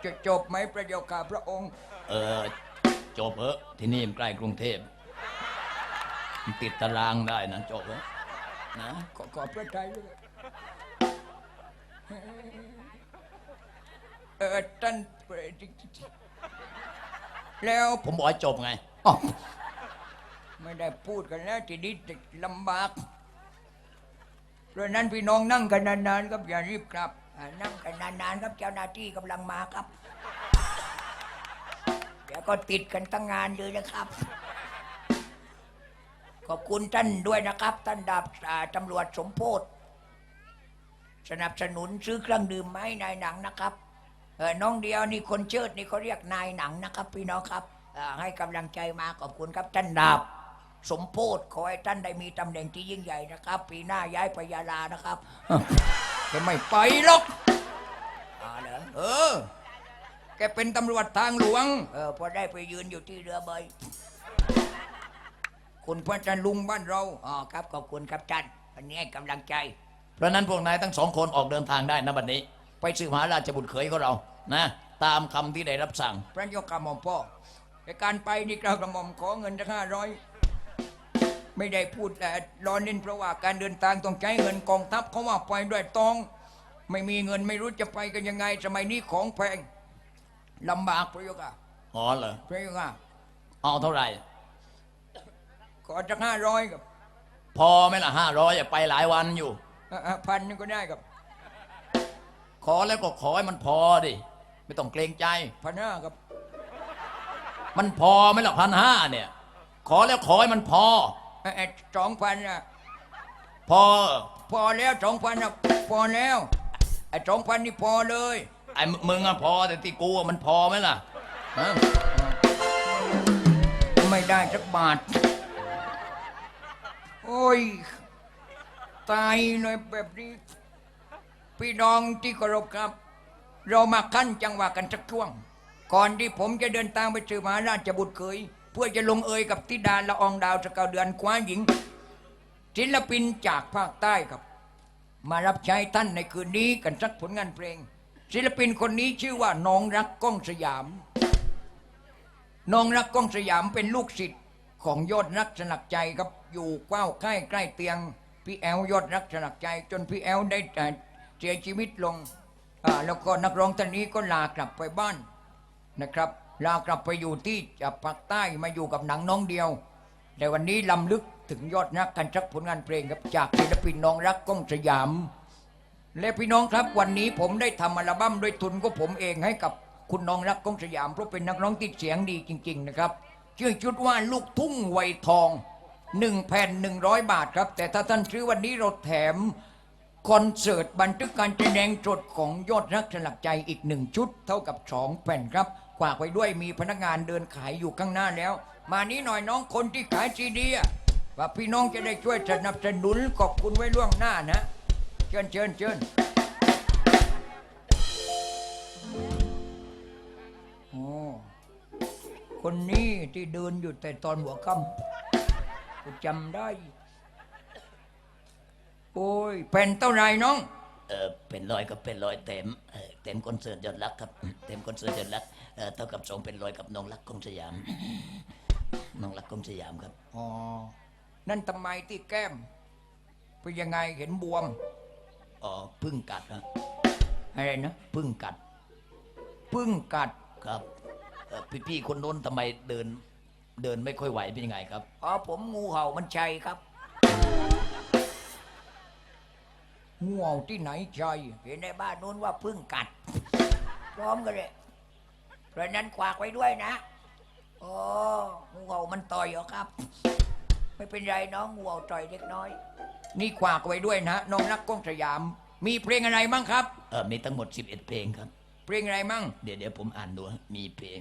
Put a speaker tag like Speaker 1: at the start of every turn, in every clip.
Speaker 1: จะจบไหมพระเจ้าข้าพระองค์
Speaker 2: จบเหอะที่นี่มันใกล้กรุงเทพมันติดตารางได้นะจบเหอะนะ
Speaker 1: ขอพระทัยด้วยท่านแล้ว
Speaker 2: ผมบอกให้จบไง
Speaker 1: ไม่ได้พูดกันแล้วทีนี้ลำบากเพราะนั้นพี่น้องนั่งกันนานๆครับอย่ารีบครับนั่งกันนานๆครับเจ้าหน้าที่กำลังมาครับเดี๋ยวก็ติดกันตั้งงานเลยนะครับขอบคุณท่านด้วยนะครับท่านดาบตำรวจสมโพธิสนับสนุนซื้อเครื่องดื่มมาให้นายหนังนะครับน้องเดียวนี่คนเชิดนี่เขาเรียกนายหนังนะครับพี่น้องครับให้กำลังใจมาขอบคุณครับท่านดาบสมโพธิขอให้ท่านได้มีตำแหน่งที่ยิ่งใหญ่นะครับปีหน้าย้ายไปยาลานะครับจะไม่ไปหรอกเหรอแกเป็นตำรวจทางหลวงพอได้ไปยืนอยู่ที่เรือใบคุณพระจันทร์ลุงบ้านเราครับขอบคุณครับท่านวันนี้ให้กำลังใจ
Speaker 2: เพราะนั้นพวกนายทั้งสองคนออกเดินทางได้นะบัดนี้ไปสืบหาราชบุตรเขยของเรานะตามคำที่ได้รับสั่ง
Speaker 1: พระยกกระหม่อมพ่อในการไปนี่กระหม่อมขอเงินสัก500ไม่ได้พูดแต่รอเน้นเพราะว่าการเดินทางต้องใช้เงินกองทัพเขาว่าไปด้วยตองไม่มีเงินไม่รู้จะไปกันยังไงสมัยนี้ของแพงลำบากพระยก
Speaker 2: เหรอ
Speaker 1: พระยก
Speaker 2: เอาเท่าไหร่
Speaker 1: ขอสัก500ครับ
Speaker 2: พอไหมล่ะ500ไปหลายวันอยู่
Speaker 1: 1,000นึงก็ได้ครับ
Speaker 2: ขอแล้วก็ขอให้มันพอดิไม่ต้องเกรงใจ
Speaker 1: 1,500ครับ
Speaker 2: มันพอไหมล่ะ1,500เนี่ยขอแล้วขอให้มันพอ
Speaker 1: 2,000นะ
Speaker 2: พอ
Speaker 1: แล้ว2,000นะพอแล้ว2,000นี่พอเลย
Speaker 2: มึงอะพอแต่ที่กูมันพอไหมล่ะ
Speaker 1: ไม่ได้สักบาทโอ้ยตายเลยแบบนี้พี่น้องที่เคารพครับเรามาขั้นจังหวะกันสักช่วงก่อนที่ผมจะเดินทางไปสืบหาราชบุตรเขยเพื่อจะลงเอยกับธิดาละอองดาวสกาวเดือนคว้าหญิงศิลปินจากภาคใต้ครับมารับใช้ท่านในคืนนี้กันสักผลงานเพลงศิลปินคนนี้ชื่อว่าน้องรักก้องสยามน้องรักก้องสยามเป็นลูกศิษย์ของยอดรักสลักใจครับอยู่ใกล้เตียงพี่แอลยอดรักสลักใจจนพี่แอลได้เสียชีวิตลงแล้วก็นักร้องท่านนี้ก็ลากลับไปบ้านนะครับลากลับไปอยู่ที่ภาคใต้มาอยู่กับหนังน้องเดียวแต่วันนี้ลำลึกถึงยอดรักกันสักผลงานเพลงครับจากศิลปินน้องรักก้องสยามและพี่น้องครับวันนี้ผมได้ทำอัลบั้มด้วยทุนของผมเองให้กับคุณน้องรักก้องสยามเพราะเป็นนักร้องที่เสียงดีจริงๆนะครับชื่อชุดว่าลูกทุ่งไวทอง1 แผ่น 100 บาทครับแต่ถ้าท่านซื้อวันนี้เราแถมคอนเสิร์ตบันทึกการแสดงสดของยอดรักสลักใจอีก1 ชุดเท่ากับ2 แผ่นครับฝากไว้ด้วยมีพนักงานเดินขายอยู่ข้างหน้าแล้วมานี้หน่อยน้องคนที่ขายซีดีว่าพี่น้องจะได้ช่วยสนับสนุนขอบคุณไว้ล่วงหน้านะเชิญโอ้คนนี้ที่เดินอยู่แต่ตอนหัวค่ำกูจำได้โอ้ยเป็นเท่าไรน้อง
Speaker 2: เป็น100ก็เป็น100เต็มคอนเสิร์ตยอดรักครับเต็มคอนเสิร์ตยอดรักเท่ากับ2เป็น100กับน้องรักก้องสยามน้องรักก้องสยามครับ
Speaker 1: อ๋อนั่นทำไมที่แก้มเป็นยังไงเห็นบวม
Speaker 2: พึ่งกัดนะ
Speaker 1: อะไรนะ
Speaker 2: พึ่งกัดครับพี่คนโน้นทำไมเดินไม่ค่อยไหวเป็นยังไงครับ
Speaker 1: ผมงูเห่ามันชัยครับงูเห่าที่ไหนชัยเห็นในบ้านโน้นว่าพึ่งกัดพร้อมกันเลยเพราะนั้นขวากไว้ด้วยนะงูเห่ามันต่อยเหรอครับไม่เป็นไรน้องงูเห่าต่อยเล็กน้อยนี่ขวากไว้ด้วยนะน้องรักก้องสยามมีเพลงอะไรบ้างครับ
Speaker 2: มีทั้งหมด11เพลงครับ
Speaker 1: เพลงอะไรมั่ง
Speaker 2: เดี๋ยวผมอ่านดูมีเพลง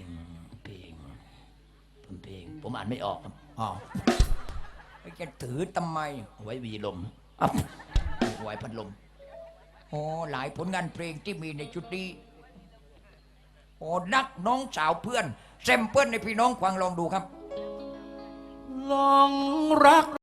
Speaker 2: ผมอ่านไม่ออกครับ
Speaker 1: จะถือทำไม
Speaker 2: ไว้วีลมไว้พัดลม
Speaker 1: หลายผลงานเพลงที่มีในชุดนี้นักน้องสาวเพื่อนแซมเปิลในพี่น้องฟังลองดูครับ
Speaker 2: ลองรัก